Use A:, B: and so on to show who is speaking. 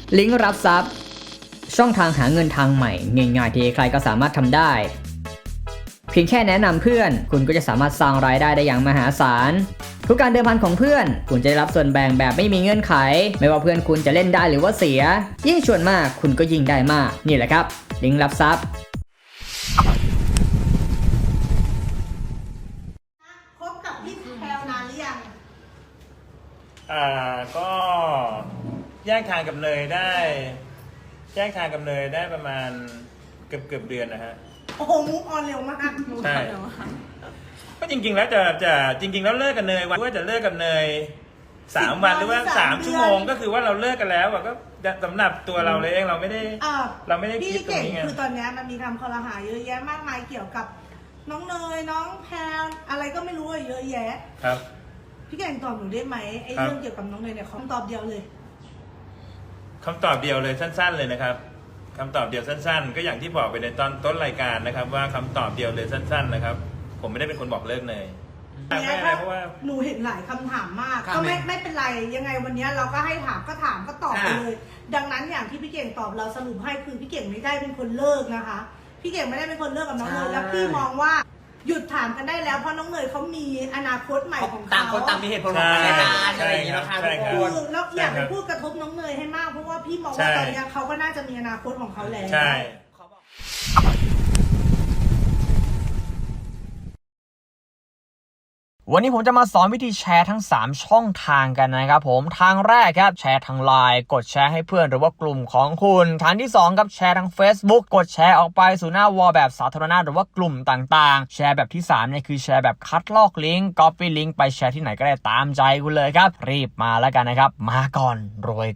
A: ลิงก์รับทรัพย์ช่องทางหาเงินทางใหม่ง่ายๆที่ใครก็สามารถทำได้เพียงแค่แนะนำเพื่อนคุณก็จะสามารถสร้างรายได้ได้อย่างมหาศาลทุกการเดิมพันของเพื่อนคุณจะได้รับส่วนแบ่งแบบไม่มีเงื่อนไขไม่ว่าเพื่อนคุณจะเล่นได้หรือว่าเสียยิ่งชวนมากคุณก็ยิ่งได้มากนี่แหละครับลิงก์รับทรัพย์
B: คบกับพี่แพรวนานหรือยัง
C: ก็แยกทางกับเนยได้ประมาณเกือบเดือนนะฮะ
B: โอ้โหมุกออนเร็วมาก
C: ใช่ก็จริงๆแล้วจริงๆแล้วเลิกกับเนยว่าจะเลิกกับเนย3 วันหรือว่า3 ชั่วโมงก็คือว่าเราเลิกกันแล้วก็สำหรับตัวเราเลยเองเราไม่ได้คิดตรงนี้ไง
B: คือตอนนี้มันมีคำคอรหาเยอะแยะมากมายเกี่ยวกับน้องเนยน้องแพรอะไรก็ไม่รู้เยอะแยะ
C: ครับ
B: พี่เก่งตอบหนูได้ไหมไอ้เรื่องเกี่ยวกับน้องเนยเนี่ยคำตอบเดียวเลย
C: สั้นๆเลยนะครับคำตอบเดียวสั้นๆก็อย่างที่บอกไปในตอนต้นรายการนะครับว่าคำตอบเดียวเลยสั้นๆนะครับผมไม่ได้เป็นคนบอกเลิกเนยไม่อะไรเพราะว่า
B: หนูเห็นหลายคำถามมากก็ไม่เป็นไรยังไงวันนี้เราก็ให้ถามก็ตอบไปเลยดังนั้นอย่างที่พี่เก่งตอบเราสรุปให้คือพี่เก่งไม่ได้เป็นคนเลิกนะคะพี่เก่งไม่ได้เป็นคนเลิกกับน้องเนยแล้วพี่มองว่าหยุดถามกันได้แล้วเพราะน้องเนยเขามีอนาคตใหม่ของเขา
D: ต่างคนต่างมีเหตุผลของกันอะไรอย่างนี้นะคะทุกคน
B: แล้วอยากไปพูดกระทบน้องเนยให้มากเพราะว่าพี่มองว่าตอนนี้เขาก็น่าจะมีอนาคตของเขาแล้ว
C: ใช่
A: วันนี้ผมจะมาสอนวิธีแชร์ทั้ง3ช่องทางกันนะครับผมทางแรกครับแชร์ทาง LINE กดแชร์ให้เพื่อนหรือว่ากลุ่มของคุณทางที่2ครับแชร์ทาง Facebook กดแชร์ออกไปสู่หน้าวอลแบบสาธารณะหรือว่ากลุ่มต่างๆแชร์แบบที่3เนี่ยคือแชร์แบบคัดลอกลิงก์ Copy ลิงก์ไปแชร์ที่ไหนก็ได้ตามใจคุณเลยครับรีบมาแล้วกันนะครับมาก่อนรวย